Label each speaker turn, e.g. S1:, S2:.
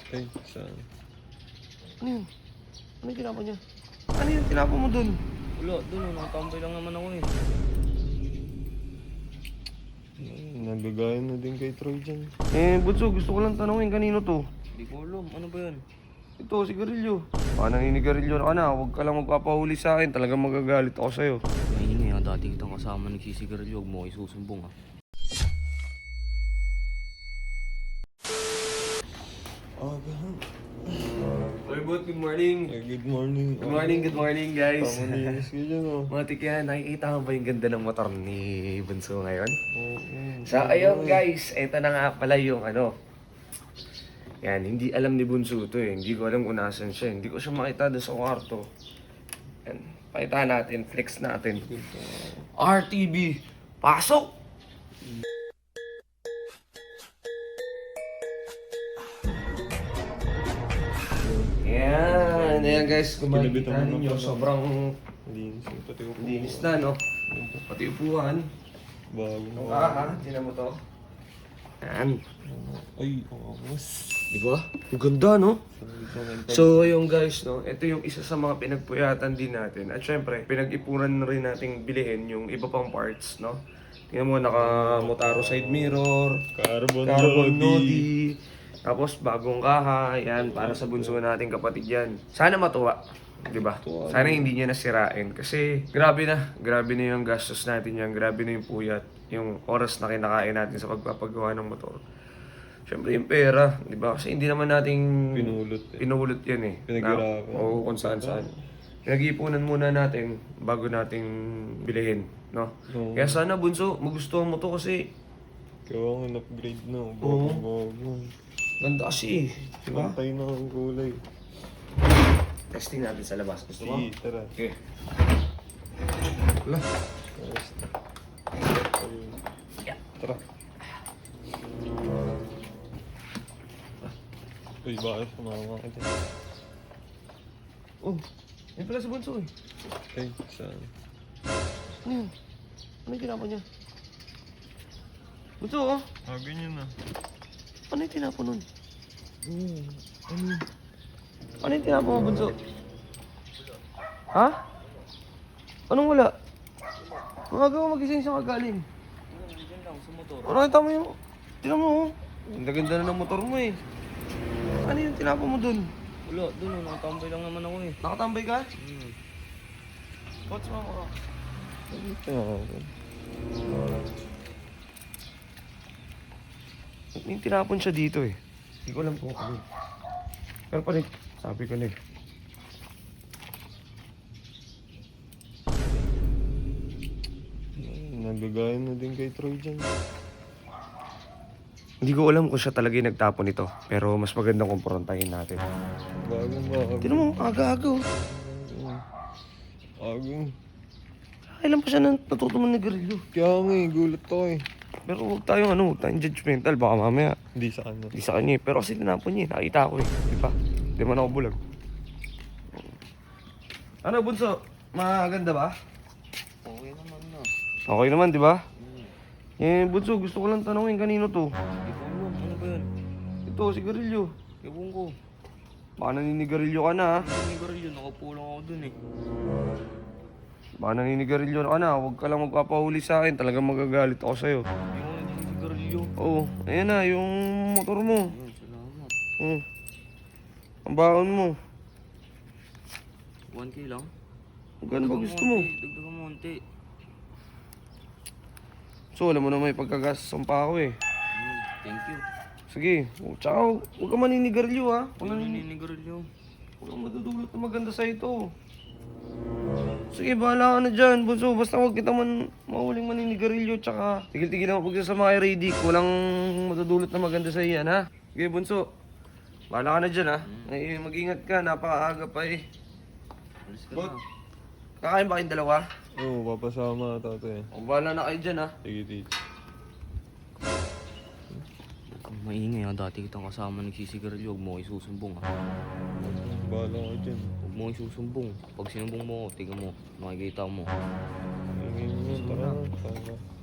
S1: Ay, saan?
S2: Ano yun? Ano yung tinapon niya? Ano yun? Tinapon mo dun?
S3: Wala, doon oh, nakatambay lang naman ako eh.
S1: Nagagaya na din kay Troy dyan.
S2: Bunso, gusto ko lang tanongin kanino to?
S3: Hindi ko alam, ano ba yan?
S2: Ito, sigarilyo. Baka naninigarilyo na ka na. Huwag ka lang magpapahuli sa akin. Talagang magagalit ako sa'yo.
S3: Maingay ah, dati kitang kasama nagsisigarilyo, huwag mo kayo susumbong ah.
S1: Aga.
S2: Oy, Bot, good morning.
S1: Ay, good morning.
S2: Good morning, guys.
S1: Pamaninis ka dyan, oh.
S2: Matik yan, nakikita mo ba yung ganda ng motor ni Bunso ngayon?
S1: Oo.
S2: So, ayun guys, eto na nga pala yung ano. Yan, hindi alam ni Bunso to eh. Hindi ko alam kung nasan siya. Hindi ko siya makita doon sa kwarto. Yan, pakita natin, flex natin. RTB, pasok! Yan, ayan guys, kung makikita
S1: Kinabitan mo
S2: ninyo,
S1: na pala.
S2: sobrang
S1: Linis yung pati ko.
S2: linis na, no? Pati upuan.
S1: Bago na.
S2: Tinan mo to. Yan.
S1: Ay, angas.
S2: Di ba? Ang ganda, no? So, yung guys, no, ito yung isa sa mga pinagpuyatan din natin. At syempre, pinag-ipunan na rin nating bilihin yung iba pang parts, no? Tingnan mo, naka-Motaro side mirror,
S1: Carbon
S2: nodi, tapos bagong kaha, yan, para sa bunso nating kapatid yan. Sana matuwa, di ba? Sana hindi niya nasirain kasi grabe na yung gastos natin yan, grabe na yung puyat, yung oras na kinakain natin sa pagpapagawa ng motor. Siyempre yung pera, di ba? Kasi hindi naman nating pinulot yan eh.
S1: Pinaghirapan.
S2: Oo, kung saan. Pinag-iipunan muna natin bago nating bilihin, no?
S1: Oo.
S2: Kaya sana bunso, magustuhan mo to kasi
S1: Kaya ang upgrade na.
S2: Oo.
S1: Bago.
S2: ganda kasi eh, di ba?
S1: Pantay na ang kulay.
S2: Testing natin sa labas. Gusto mo?
S1: Sige, tara.
S2: Okay. Wala.
S1: Ayos na. Ayun.
S2: Yeah.
S1: Tara. Uy, bakit sumama ka dyan?
S2: Oh, yan pala sa bunso eh.
S1: Ay, saan?
S2: Ano yun? Ano yung tinapon niya? Bunso oh,
S1: Ah, ganyan na.
S2: ano yung tinapon nun?
S1: Ano?
S2: Ano yung tinapon mo, bunso? Ha? Anong wala? Mga gawa magising siya kagaling.
S3: Diyan lang, sa motor.
S2: Ano kita mo yung... Tinan mo oh. Ganda-ganda na ng motor mo eh. Ano yung tinapon mo dun?
S3: Wala, doon oh, nakatambay lang naman ako eh.
S2: Nakatambay ka?
S3: Hmm.
S2: What's wrong ko? May tinapon siya dito eh. Hindi ko alam kung ano. Pero pa rin, sabi ko na eh.
S1: Nagagaya na din kay Troy dyan.
S2: Hindi ko alam kung siya talaga yung nagtapon nito. Pero mas magandang kumprontahin natin.
S1: Bago.
S2: Tinan mo, aga-aga oh.
S1: Bago.
S2: Kailan pa siya natuto manigarilyo?
S1: Kaya nga gulat ako eh.
S2: Pero huwag tayong judgmental. Baka mamaya,
S1: Hindi sa kanya.
S2: di sa kanya eh. Pero kasi tinapon niya eh. Nakita ko eh. Di ba? Di man ako bulag. Ano, bunso? Maganda ba?
S3: Okay naman na.
S2: Okay naman, di ba? Bunso, gusto ko lang tanongin kanino to?
S3: Hindi ko alam, ano ba yan?
S2: Ito, sigarilyo.
S3: Ewan ko.
S2: Baka naninigarilyo ka na ha?
S3: Naninigarilyo, nakaupo lang ako dun eh.
S2: Baka naninigarilyo ka na. Huwag ka lang magpapahuli sa akin. Talagang magagalit ako sa'yo.
S3: Hindi ko naninigarilyo.
S2: Oo, ayan na, yung motor mo.
S3: Ayun, salamat.
S2: Ang baon mo.
S3: 1K lang?
S2: Magkano ba gusto mo?
S3: Dagdagan mo onti.
S2: So, alam mo na may pagkagasam pa ako eh.
S3: Thank you.
S2: Sige, tsaka huwag ka maninigarilyo ha.
S3: Huwag naninigarilyo.
S2: Huwag kang madudulot na maganda sa ito. Sige, bahala ka na dyan, bunso. Basta huwag kita mahuling maninigarilyo. Tsaka tigil-tigil lang pagsasama kay Radic. Walang madudulot na maganda sa iyan ha. Sige, bunso. Bahala ka na dyan ha. Ay, mag-ingat ka, napakaaga pa eh.
S3: Alis ka
S2: Bot.
S3: na.
S2: Kakain ba kayong dalawa?
S1: Oo, papasama ata eh.
S2: O, bahala na kayo dyan ha.
S1: Sige, tito.
S3: Maingay ah, dati kitang kasama nagsisigarilyo, huwag mo kayo susumbong ah.
S1: Bahala ka dyan.
S3: Huwag mo kayo susumbong. Pag sinumbong mo, tiga mo, makikita mo.
S1: Ingin mo, tara. Tara.